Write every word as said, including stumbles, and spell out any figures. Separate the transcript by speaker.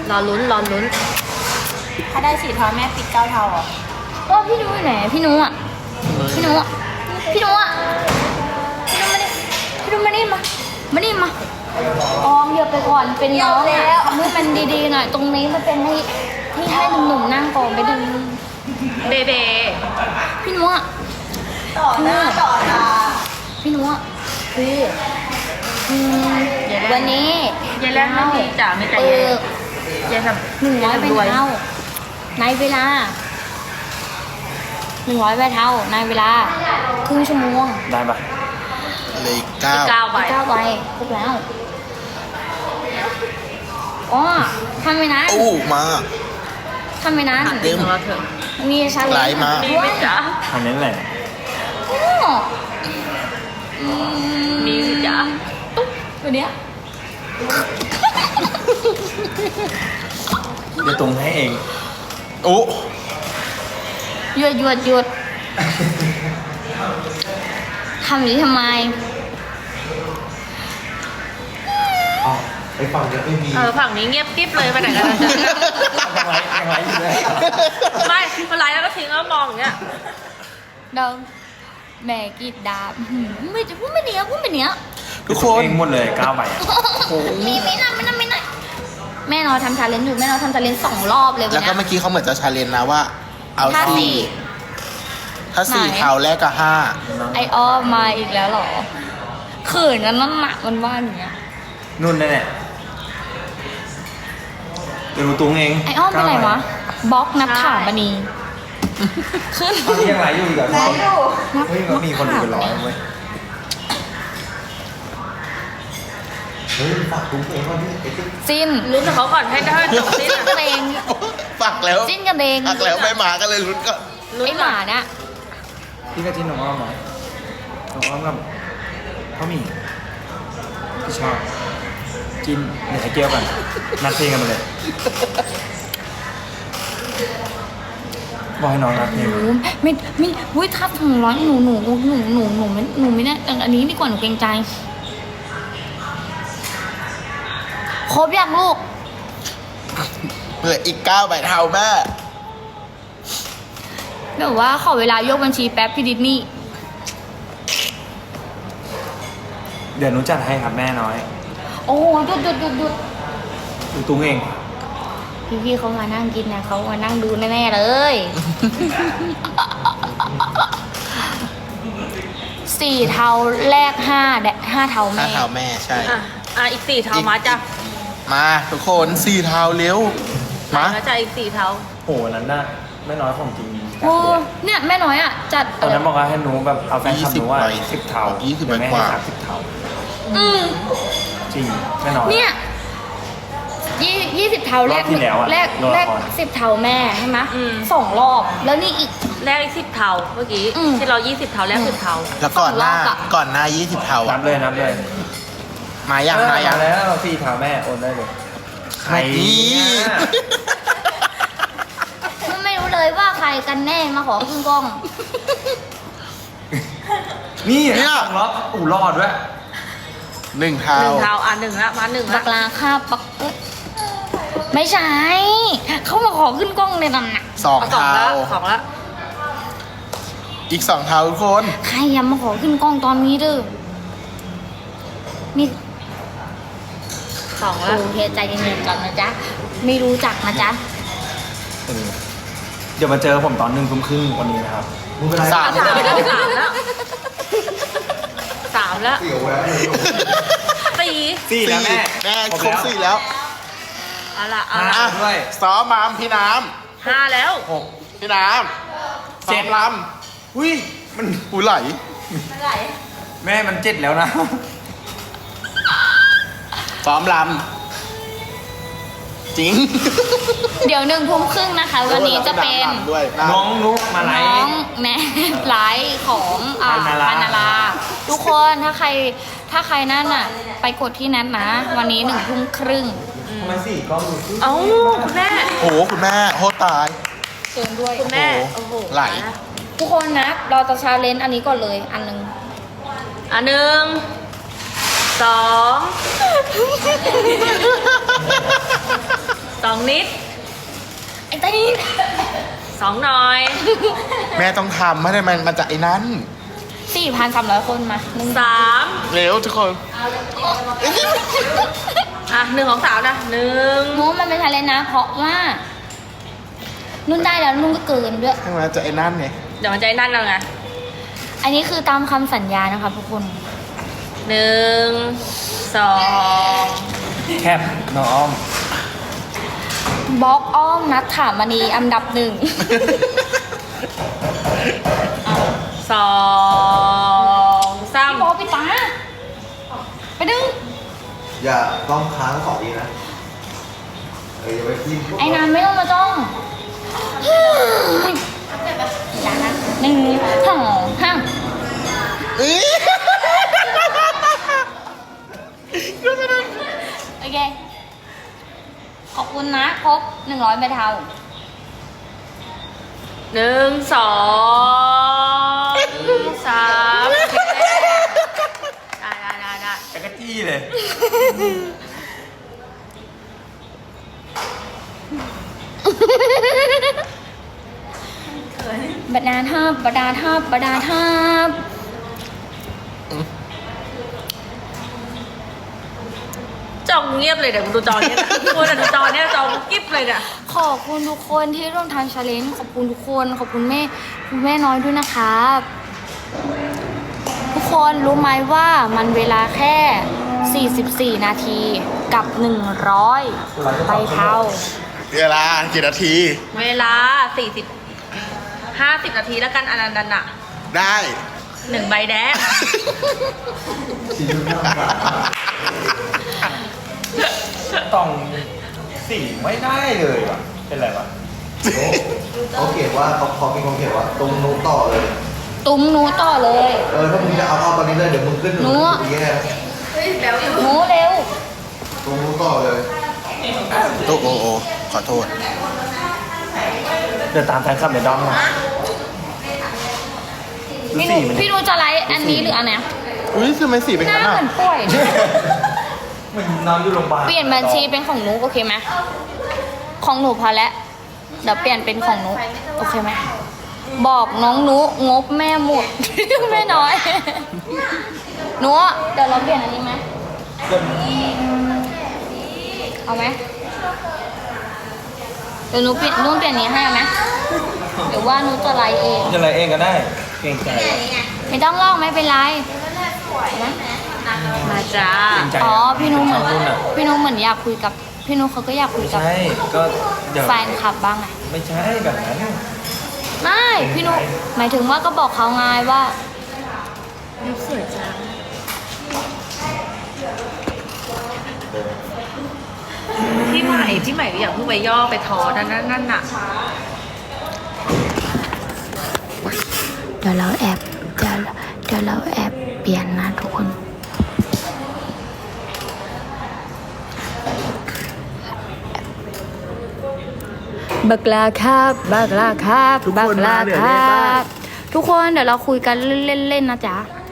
Speaker 1: รอลุ้นรอลุ้น
Speaker 2: ถ้าได้สี่เท้าแม่ปิดเก้าเท้าเหรอ
Speaker 3: ก็พี่นุ้ยไหนพี่นุ้ยอ่ะพี่นุ้ยอ่ะพี่นุ้ยอ่ะพี่นุ้ยมาดิพี่นุ้ยมาดิมามาดิมาออมเหยียบไปก่อนเป็นน้องอ่ะทำให้มันดีๆหน่อยตรงนี้มันเป็นให้ที่ให้หนุ่มๆนั่งก่อนไปดึง
Speaker 1: เบเบ
Speaker 3: พี่นุ้ยอ่ะ
Speaker 2: ต่อหน้าต่อตา
Speaker 3: พี่นุ้ยอ่ะคืออืมวันนี้
Speaker 1: เย็นแรกไม่มีจ๋าไม่ใจ
Speaker 3: เอ
Speaker 1: เย็น
Speaker 3: อ
Speaker 1: เย็นแบบ
Speaker 3: หนึ่งร้อยใบเท่าในเวลาหนึ่งร้อยใบเท่าในเวลาครึ่งชั่วโมง
Speaker 4: ได้ปะ
Speaker 5: เลยเก้า
Speaker 1: เก้าใบ
Speaker 3: เก้าใบครบแล้วอ๋อทำไปนั้น
Speaker 5: โอ้มา
Speaker 3: ทำไปนั้น
Speaker 1: ถามจริงของเราเถอะ
Speaker 3: มีชาเล
Speaker 5: ไหล
Speaker 3: นจ์
Speaker 5: มา
Speaker 1: มี
Speaker 3: ด้ว
Speaker 1: ไหม
Speaker 3: ย
Speaker 1: จ๊ะ
Speaker 4: ทำนั้นแหละ
Speaker 3: โอ้อื
Speaker 1: มีไหมจ๊ะ
Speaker 3: ตุ๊บตัวเนี้ย
Speaker 4: เดี๋ยวตรงให้เอง
Speaker 5: โอ้
Speaker 3: หยุดหยุดหยุดทำอย่างนี้ทำไม
Speaker 4: อ๋อไปฟังเยอะไม่มี
Speaker 1: เออฝั่งนี้เงียบกิ๊บเลยไปไหนกันนะจ๊ะ
Speaker 4: ยังไงยังไงอยู่เลย
Speaker 1: ไม่เป็นไรแล้วก็ทิ้งแล้วมองอย่างเงี้ย
Speaker 3: เดิมแม่กรีดดาบหืมไม่จะพูดไม่เนี้ยพูดไม่เนี้ย
Speaker 5: ทุกคน
Speaker 4: เองหมดเลยเก้าใบอะ
Speaker 3: มีไม่น่าไม่น่าไม่น่าแม่นอนทำชาเลนจ์อยู่แม่นอนทำชาเลนจ์สองรอบเลยวั
Speaker 5: แล้ว
Speaker 3: น
Speaker 5: ก็
Speaker 3: เนี้ย
Speaker 5: เมื่อกี้เขาเหมือนจะชาเลนจ์นะว่า เอา
Speaker 3: ถ้า
Speaker 5: สี่
Speaker 3: สี่
Speaker 5: ถ้าสี่
Speaker 3: ไหน
Speaker 5: เท้าแรกกับห้า
Speaker 3: ไออ้อมมาอีกแล้วเหรอเขินกันนั่นหนักมันว่าอย่างเงี้ย
Speaker 4: นุ่นแน่ๆเดี๋ยวรู้ตุ้งเอง
Speaker 3: ไออ้อมเป็นไรวะบล็อกนับถามมณีขึ้น
Speaker 4: ตอนนี้ยังไลฟ์อยู่อีกเหรอ
Speaker 2: ไหนดู
Speaker 3: นับ
Speaker 4: เฮ้ยมันมีคนดูเป็นร้อย
Speaker 3: นับ
Speaker 4: เว้ยเฮ้ยฝากตุ้งเองว่าพี่
Speaker 3: จิ้น
Speaker 1: ลุ้นกับเขาก่อนให้ได้จบสิ้น
Speaker 3: จิ้นกันเอง
Speaker 5: ปักแล้ว
Speaker 3: จิ้นกันเอง
Speaker 5: ปักแล้วไม่มาก็เลยลุ้นก็
Speaker 3: ไอหมาเนี่ย
Speaker 4: พี่ก็จิ้นน้องอ้อมไหมน้องอ้อมกับพ่อหมี่พี่ชอบจิ้นเดี๋ยวไอ้เกียวกันนัดเพลงกันมาเลยบอกให้น้องนัดเพลง
Speaker 3: โอ้ไม่ไม่วุ้ยทับถึงร้อยหนูหนูหนูหนูหนูหนูไม่หนูไม่ได้อันนี้ดีกว่าหนูเกรงใจครบยังลูก
Speaker 5: เหลืออีกเก้าใบเท้าแม่
Speaker 3: แบบว่าขอเวลายกบัญชีแป๊บพี่ดิสนี่
Speaker 4: เดี๋ยวหนูจัดให้ครับแม่น้อย
Speaker 3: โอ้หยุดหยุดหยุดหยุด
Speaker 4: ดูตุ้งเอง
Speaker 3: พี่พี่ๆเขามานั่งกินนะเขามานั่งดูแน่ๆเลย สี่เทาแรกห้าแดะห้าเทา
Speaker 5: ห้า
Speaker 3: แม่
Speaker 5: เท้าแม่ใช่
Speaker 1: อ่ะอ่ะอีกสี่เท้ามาจ้ะ
Speaker 5: มาทุกคนสี่เท้าเร็ว มา
Speaker 1: แล้วจะอีกสี่เท้า
Speaker 4: โหวันนั้นน่ะแม่น้อยของจริง
Speaker 3: โอ้เนี่ยแม่น้อยอ่ะ จัด
Speaker 4: ตอนนั้นบอกว่าให้หนูแบบเอาแฟนคลับหนูว่า
Speaker 5: ยี่สิบ
Speaker 4: สิบเท่า
Speaker 5: ยี่สิบ
Speaker 4: เดี๋ยวแม่
Speaker 5: กว่า
Speaker 4: ให้สามสิบเท่า
Speaker 3: อืม
Speaker 4: จริงแม่น้อย
Speaker 3: เนี่ยยี่ยี่สิบเทาแรก
Speaker 4: รอบที่แล้วอะ
Speaker 3: แรก
Speaker 4: โดนละ
Speaker 3: แรก
Speaker 4: คร
Speaker 3: สิบเทาแม่ใช่ไหม
Speaker 1: อืม
Speaker 3: สองรอบแล้วนี่อีก
Speaker 1: แรกอีกสิบเท้าเมื่อกี้
Speaker 3: อืม
Speaker 1: ที่เรายี่สิบเท้าแรกสิบเท้า
Speaker 5: แล้วก่อนหน้า
Speaker 3: สองรอบอะ
Speaker 5: ก่อนหน้ายี่สิบเท้า
Speaker 4: นั
Speaker 5: อ่ะ
Speaker 4: บเลยนับเลย
Speaker 5: มายังมายัง
Speaker 4: แล้วสี่เท่าแม่โอนได้เลยใคร
Speaker 5: นี่
Speaker 4: เนี่ย
Speaker 3: มันไม่รู้เลยว่าใครกันแน่มาขอขึ้นกล้อง
Speaker 4: นี่
Speaker 5: เนี่ย
Speaker 4: สองล็อกอู่รอดด้วย
Speaker 5: หนึ่งเท้า
Speaker 1: หนึ่งเท้าอ่ะหนึ่งละมาหนึ่ง
Speaker 3: บั
Speaker 1: ละ
Speaker 3: กลาค่าปักเอ้ยไม่ใช่ เขามาขอขึ้นกล้องในนั้นน่ะ
Speaker 5: สอง
Speaker 1: เอาสอง
Speaker 5: เท้า
Speaker 1: ละสองละ
Speaker 5: อีกสองเท้าทุกคน
Speaker 3: ใครอยังมาขอขึ้นกล้องตอนนี้เด้อนี่
Speaker 1: สอง
Speaker 3: โอ
Speaker 1: ละ
Speaker 3: เคใจเย็นๆก่อนนะจ๊ะ ไม่รู้จักนะจ๊ะ
Speaker 4: เออเดี๋ยวมาเจอผมตอนหนึ่งทุ่มครึ่งวันนี้นะครับไม่เป็นไร
Speaker 5: สาม
Speaker 1: สามแล้วสามแล้วสามแล้วสี่
Speaker 4: สี่แล้วแม่
Speaker 5: แม่
Speaker 4: ครบ
Speaker 5: ครบ
Speaker 4: แล้ว
Speaker 5: สี่แล้ว
Speaker 1: เอาละเอา
Speaker 4: ห้า
Speaker 1: ละ
Speaker 4: ด้วย
Speaker 5: ซ้อมมามพี่น้
Speaker 1: ห้าแล้ว
Speaker 4: หก
Speaker 5: ำพี่น้ำ
Speaker 4: เจ็
Speaker 5: ซ้อ
Speaker 4: ด
Speaker 5: มล
Speaker 4: อุ้ยมัน
Speaker 5: ำหูไหล
Speaker 4: แม่มันเจ็ดแล้วนะ
Speaker 5: ซ้อมลำจริง
Speaker 3: เดี๋ยวหนึ่งทุ่มครึ่งนะคะ วันนี้จะเป็น
Speaker 5: ลำด้วยนะ
Speaker 4: น้องนุกมาไล
Speaker 3: น้อง
Speaker 4: ฟ์
Speaker 3: แม่ไลฟ์ของอ่า
Speaker 4: ปานารา
Speaker 3: ปานาราทุกคนถ้าใครถ้าใครนั่นน่ะ ไปกดที่นัดนะ วันนี้หนึ่งทุ่มครึ่ง
Speaker 4: ทำไมสี่กล้องดูสิ
Speaker 1: เอ้าคุณแม่
Speaker 5: โอ้โหคุณแม่โคตรตาย
Speaker 3: เชิญด้วย
Speaker 1: คุณแม่
Speaker 5: โอ้
Speaker 1: โอ้
Speaker 5: โห
Speaker 1: โห
Speaker 5: ไหล
Speaker 3: ทุกคนนะเราจะชาเลนจ์อันนี้ก่อนเลย อันหนึ่ง
Speaker 1: อ่ะหนึ่งสองสององนิด
Speaker 3: ไอ้ตีน
Speaker 1: สองหน่อย
Speaker 5: แม่ต้องทำไม่ได้มันมันจะไอ้นั้น
Speaker 3: สี่พันสามร้อยคนมาหนึ่ง
Speaker 1: สาม
Speaker 5: เร็วทุกคน
Speaker 1: อ่ะหนึ่งของสาวนะหนึ่ง
Speaker 3: โน้มันเป็นชาเลนจ์นะ เพราะว่า นุ่นได้แล้วนุ่นก็เกินด้วย
Speaker 5: ให้มันจะไอ้นั่นไง
Speaker 1: เดี๋ยวมันจะนั่นแล้วไง
Speaker 3: อันนี้คือตามคำสัญญานะคะทุกคน
Speaker 1: หนึ่งสอง
Speaker 4: แคบน้องอ้อม
Speaker 3: บล็อกอ้อมนัดถามมณีอันดับหนึ่ง
Speaker 1: สองสาม
Speaker 3: พี่โบปิดตาไปดึง
Speaker 6: อย่าต้องค้างสองทีนะเอออย่าไปทิ้ง
Speaker 3: ไอ้นานไม่ต้องมาจ้องอย่านะหนึ่งสองห้าโอเค ขอบคุณนะ ครบหนึ่งร้อยใบเทา
Speaker 1: หนึ่งสองสามโอเคได้ได้ได้ได้
Speaker 4: จักรจี้เลย
Speaker 3: บดาทับบดาทับบดาทับ
Speaker 1: จองเงียบเลยเดี๋ยวดูจอเนี้ยนะดูแต่ดูจอเนี้ยจองกิ๊บเลยเนี่ย
Speaker 3: ขอบคุณทุกคนที่ร่วมทำชาเลนจ์ขอบคุณทุกคน ขอบคุณแม่คุณแม่น้อยด้วยนะครับ ทุกคนรู้ไหมว่ามันเวลาแค่ สี่สิบสี่ นาทีกับ หนึ่งร้อยใบเทา
Speaker 5: เวลากี่นาที
Speaker 1: เวลาสี่สิบห้าสิบนาทีแล้วกันอันนั้นน่ะ
Speaker 5: ได้
Speaker 1: หนึ่งใบแดง
Speaker 4: ต้องสี่ไม่ได้เลยว่ะ เป็นไรวะ
Speaker 6: เขาเขียนว่าเขาเขามีคนเขียนว่าตรงนู้นต่อเลย
Speaker 3: ตุ้มหนูต่อเลย
Speaker 6: เออถ้ามึงจะเอาเอาตอนนี้เลยเดี๋ยวมึงขึ้น
Speaker 3: หนู
Speaker 6: ดีแย่
Speaker 3: หนูเร็ว
Speaker 6: ตรงนู้นต่อเลย
Speaker 5: โอ้โอโอขอโทษ
Speaker 4: เดินตามแฟนคลับในด้อมมาดู
Speaker 3: พี่หนู
Speaker 4: สี่มัน
Speaker 3: พี่หนูจะไลฟ์อันนี้หรืออันไหน
Speaker 5: อุ้ยทำไมสีเป็น
Speaker 3: หน้า
Speaker 5: งั้น
Speaker 3: เห
Speaker 5: อ่ะ
Speaker 3: มือนป่วย
Speaker 4: มันนอนอยู่โรงพยาบาล
Speaker 3: เปลี่ยนบัญชีเป็นของหนูโอเคไหมของหนูพอแล้วเดี๋ยวเปลี่ยนเป็นของหนูโอเคไหมบอกน้องหนูงบแม่หมด แม่น้อยหนูเดี๋ยวเราเปลี่ยนอันนี้ไหมเอาไหมเดี๋ยวหนูเปลี่ยนหนูเปลี่ยนนี้ให้เอาไหมหรือว่าหนูจะไลฟ์เอง
Speaker 4: จะอะไรเองก็ได้ เก่งใจ
Speaker 3: ไม่ต้องลอกไม่เป็นไรนะ
Speaker 1: มาจ้า
Speaker 4: เก่งใจ
Speaker 3: อ๋อพี่นุ้เหมือน
Speaker 4: ชอบรุ่นอะ
Speaker 3: พี่นุ้เหมือนอยากคุยกับพี่นุ้เขาก็อยากคุยกับ
Speaker 4: ใช่ ก็เดี๋ยว
Speaker 3: แฟนคลับบ้างไง
Speaker 4: ไม่ใช่แบบนั้น
Speaker 3: ไม่พี่นุ้หมายถึงว่าก็บอกเขาไงว่า
Speaker 1: สวยจังพี่ใหม่พี่ใหม่อยากเพิ่งไปย่อไปทอนั่นนั่นนั่นน่ะ
Speaker 3: เดี๋ยวเราแอบเดี๋ยวเดี๋ยวเราแอบเปลี่ยนนะทุกคนบักลาครับบักลาครับ
Speaker 5: ทุก
Speaker 3: บั
Speaker 5: คน
Speaker 3: กลา
Speaker 5: มาเดี๋ยว
Speaker 3: ค
Speaker 5: นี้
Speaker 3: รั
Speaker 5: บ้าง
Speaker 3: บทุกคนเดี๋ยวเราคุยกันเล่นๆนะจ๊ะ